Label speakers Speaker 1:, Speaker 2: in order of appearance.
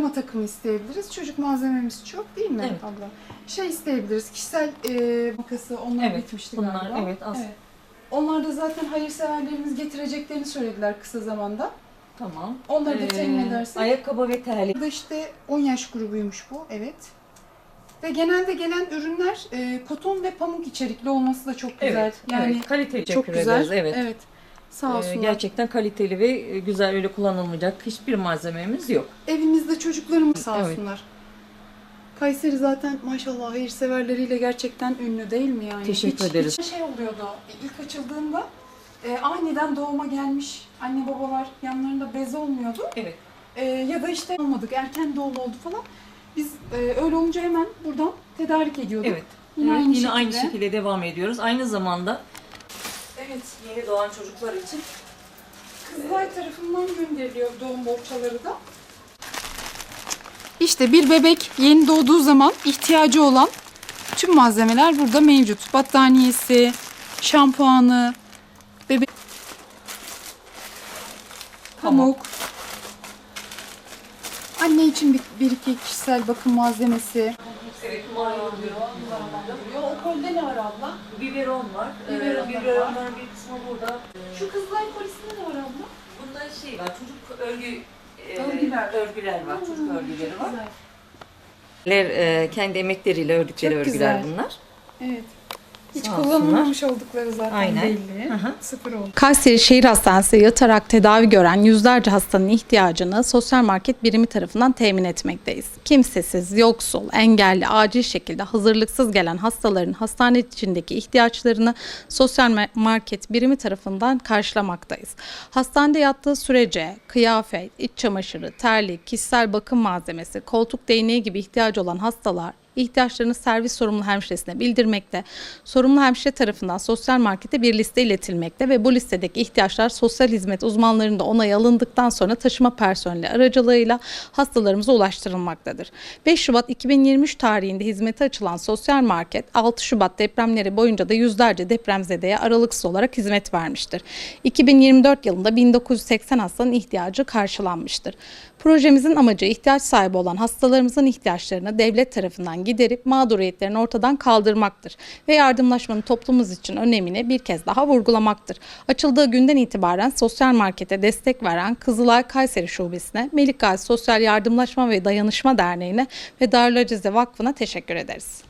Speaker 1: pijama takımı isteyebiliriz. Çocuk malzememiz çok değil mi
Speaker 2: Evet.
Speaker 1: abla? Şey isteyebiliriz, kişisel makası onlar
Speaker 2: Evet,
Speaker 1: bitmişti
Speaker 2: bunlar,
Speaker 1: galiba.
Speaker 2: evet, az.
Speaker 1: Onlar da zaten hayırseverlerimiz getireceklerini söylediler kısa zamanda.
Speaker 2: Tamam.
Speaker 1: Onları da temin edersek.
Speaker 2: Ayakkabı ve terlik.
Speaker 1: Burada işte 10 yaş grubuymuş bu, evet. Ve genelde gelen ürünler koton ve pamuk içerikli olması da çok güzel.
Speaker 2: Evet,
Speaker 1: Yani
Speaker 2: evet. Kaliteli
Speaker 1: çok
Speaker 2: teşekkür
Speaker 1: güzel.
Speaker 2: ederiz, evet.
Speaker 1: Sağ olsunlar.
Speaker 2: Gerçekten kaliteli ve güzel, öyle kullanılmayacak hiçbir malzememiz yok.
Speaker 1: Evimizde çocuklarımız sağ
Speaker 2: Evet.
Speaker 1: olsunlar. Kayseri zaten maşallah hayırseverleriyle gerçekten ünlü değil mi yani?
Speaker 2: Teşekkür ederiz.
Speaker 1: Hiç şey oluyordu ilk açıldığında aniden doğuma gelmiş anne babalar yanlarında bez olmuyordu.
Speaker 2: Evet.
Speaker 1: Ya da işte olmadık erken doğum oldu falan. Biz öyle olunca hemen buradan tedarik ediyorduk.
Speaker 2: Evet.
Speaker 1: Yine,
Speaker 2: Aynı şekilde devam ediyoruz. Aynı zamanda
Speaker 1: Evet.
Speaker 2: yeni doğan çocuklar için
Speaker 1: Kızılay tarafından gönderiliyor doğum bohçaları da. İşte bir bebek yeni doğduğu zaman ihtiyacı olan tüm malzemeler burada mevcut. Battaniyesi, şampuanı, bebek pamuk. Anne için bir iki kişisel bakım malzemesi.
Speaker 2: evet, oluyor.
Speaker 1: O kolde ne var abla?
Speaker 2: Biberon var.
Speaker 1: Biberonlar
Speaker 2: Biberonların bir kısmı burada.
Speaker 1: Şu Kızılay polisinde ne var abla?
Speaker 2: Bunda şey var, çocuk
Speaker 1: Örgüler.
Speaker 2: var, çocuk örgüleri var.
Speaker 1: Güzel.
Speaker 2: Kendi emekleriyle ördükleri
Speaker 1: Çok
Speaker 2: örgüler
Speaker 1: güzel.
Speaker 2: bunlar.
Speaker 1: Evet. Hiç
Speaker 2: Sağ
Speaker 1: kullanılmamış oldukları zaten
Speaker 2: Aynen.
Speaker 1: belli.
Speaker 2: Hı hı.
Speaker 1: Sıfır oldu.
Speaker 3: Kayseri Şehir Hastanesi yatarak tedavi gören yüzlerce hastanın ihtiyacını sosyal market birimi tarafından temin etmekteyiz. Kimsesiz, yoksul, engelli, acil şekilde hazırlıksız gelen hastaların hastane içindeki ihtiyaçlarını sosyal market birimi tarafından karşılamaktayız. Hastanede yattığı sürece kıyafet, iç çamaşırı, terlik, kişisel bakım malzemesi, koltuk değneği gibi ihtiyacı olan hastalar ihtiyaçlarını servis sorumlu hemşiresine bildirmekte, sorumlu hemşire tarafından sosyal markete bir liste iletilmekte ve bu listedeki ihtiyaçlar sosyal hizmet uzmanlarında onay alındıktan sonra taşıma personeli aracılığıyla hastalarımıza ulaştırılmaktadır. 5 Şubat 2023 tarihinde hizmete açılan sosyal market 6 Şubat depremleri boyunca da yüzlerce depremzedeye aralıksız olarak hizmet vermiştir. 2024 yılında 1980 hastanın ihtiyacı karşılanmıştır. Projemizin amacı ihtiyaç sahibi olan hastalarımızın ihtiyaçlarını devlet tarafından giderip mağduriyetlerini ortadan kaldırmaktır ve yardımlaşmanın toplumumuz için önemini bir kez daha vurgulamaktır. Açıldığı günden itibaren sosyal markete destek veren Kızılay Kayseri Şubesi'ne, Melik Gazi Sosyal Yardımlaşma ve Dayanışma Derneği'ne ve Darül Acize Vakfı'na teşekkür ederiz.